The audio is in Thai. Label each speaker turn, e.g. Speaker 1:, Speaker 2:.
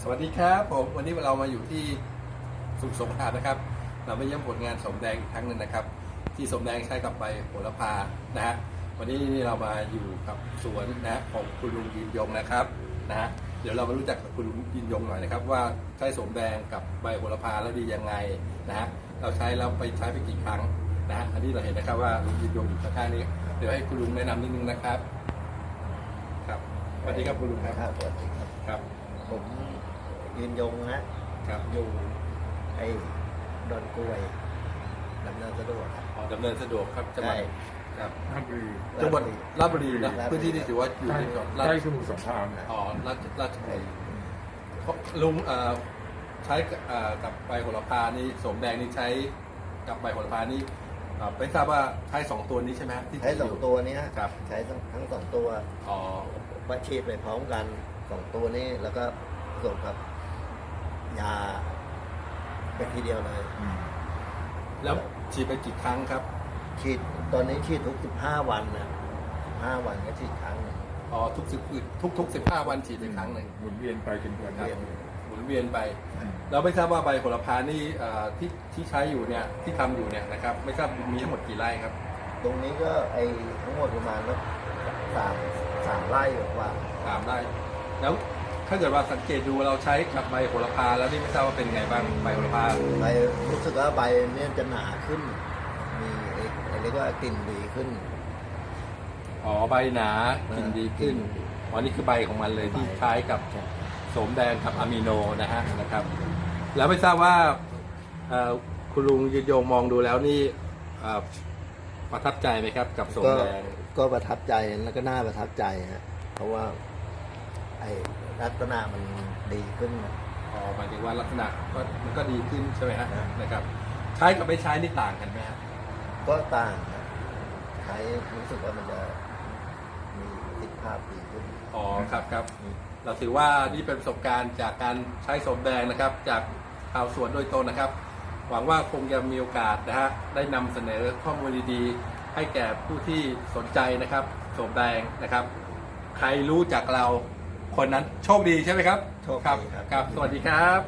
Speaker 1: สวัสดีครับผมวันนี้เรามาอยู่ที่สมุทรสงครามนะครับเราไปเยี่ยมผลงานสมแดงอีกครั้งหนึ่งนะครับที่สมแดงใช้กับใบโหระพานะฮะวันนี้เรามาอยู่กับสวนนะของคุณลุงยืนยงนะครับนะฮะเดี๋ยวเรามารู้จักกับคุณลุงยืนยงหน่อยนะครับว่าใช้สมแดงกับใบโหระพาแล้วดียังไงนะฮะเราใช้แล้วไปใช้ไปกี่ครั้งนะฮะอันนี้เราเห็นนะครับว่าลุงยืนยงอยู่ข้างๆนี้เดี๋ยวให้คุณลุงแนะนำนิดนึงนะครับครับสวัสดีครับคุณลุงครับ
Speaker 2: สวัสดีครับ
Speaker 1: ครับ
Speaker 2: ผมยืนยงนะครับ อยู่ไอ้ดอนกล้วยดำเนินสะดวกครับ
Speaker 1: ดำเนินสะดวกครับจังหวัด
Speaker 2: ใช่
Speaker 1: ครับ
Speaker 3: ราชบุรี
Speaker 1: จังหวัดราชบุรีนะ
Speaker 2: ราชบุรี
Speaker 1: พื้นที่ที่ถือว่าอยู่
Speaker 3: ใกล้
Speaker 1: ในจังหวัด
Speaker 3: ใกล้สมุทรสงคราม
Speaker 1: อ๋อราชบุรีลุงใช้กับใบโหระพานี่สมแดงนี่ใช้กับใบโหระพานี่ไม่ทราบว่าใช้2ตัวนี้ใช่ไหมฮะที่
Speaker 2: ใช้สอง
Speaker 1: ยู่
Speaker 2: ตัวเนี้ย
Speaker 1: ครับ
Speaker 2: ใช้ทั้งสองตัว
Speaker 1: อ๋อ
Speaker 2: วัดฉีดไปพร้อมกันสองตัวนี้แล้วก็ส่งกับยาเป็นทีเดียวเลย
Speaker 1: แล้วฉีดไปกี่ครั้งครับ
Speaker 2: ฉีดตอนนี้ฉีดทุก15 วันนะ15 วันก็ฉีดครั้งหนึ่ง
Speaker 1: อ๋อทุก15 วันฉีดไปครั้งหนึ่ง
Speaker 3: หมุนเวียนไปเป็นเดือน
Speaker 1: ครับ
Speaker 2: เวียน
Speaker 1: หมุนเวียนไปเราไม่ทราบว่าใบโหระพานี่ที่ใช้อยู่เนี่ยที่ทำอยู่เนี่ยนะครับไม่ทราบมีทั้งหมดกี่ไร่ครับ
Speaker 2: ตรงนี้ก็ไอ้ทั้งหมดประมาณสักสามไร่กว่า
Speaker 1: 3 ไร่แล้วถ้าเกิดว่าสังเกตดูเราใช้กับใบโหระพาแล้วนี่ไม่ทราบว่าเป็นไงบ้างใบโหระพา
Speaker 2: ใบรู้สึกว่าใบเนี่ยจะหนาขึ้น มีไอ้เรียกว่ากลิ่นดีขึ้น
Speaker 1: อ๋อใบหนากินดีขึ้นอ๋อนี่คือใบของมันเลยที่ใช้กับโสมแดงกับอะมิโนนะครับ แล้วไม่ทราบว่าคุณลุงยืนยงมองดูแล้วนี่ประทับใจไหมครับกับโสมแดง
Speaker 2: ก็ประทับใจแล้วก็น่าประทับใจฮะเพราะว่าไอ้ลักษณะมันดีขึ้นนะ
Speaker 1: อ๋อหมายถึงว่าลักษณะก็มันก็ดีขึ้นใช่ไหมฮะ
Speaker 2: ครับ
Speaker 1: นะครับ ใช้กับไม่ใช้นี่ต่างกันไหมฮะ
Speaker 2: ก็ต่างนะใช้รู้สึกว่ามันจะมีประสิทธิภาพดีขึ้น
Speaker 1: อ๋อครับเราถือว่านี่เป็นประสบการณ์จากการใช้โสมแดงนะครับ จากชาวสวนโดยตรงนะครับ หวังว่าคงจะมีโอกาสนะฮะได้นำเสนอข้อมูลดีๆให้แก่ผู้ที่สนใจนะครับโสมแดงนะครับ ใครรู้จักเราคนนั้นโชคดีใช่ไหมครับ
Speaker 2: โชคดีครับ
Speaker 1: ครับ สวัสดีครับ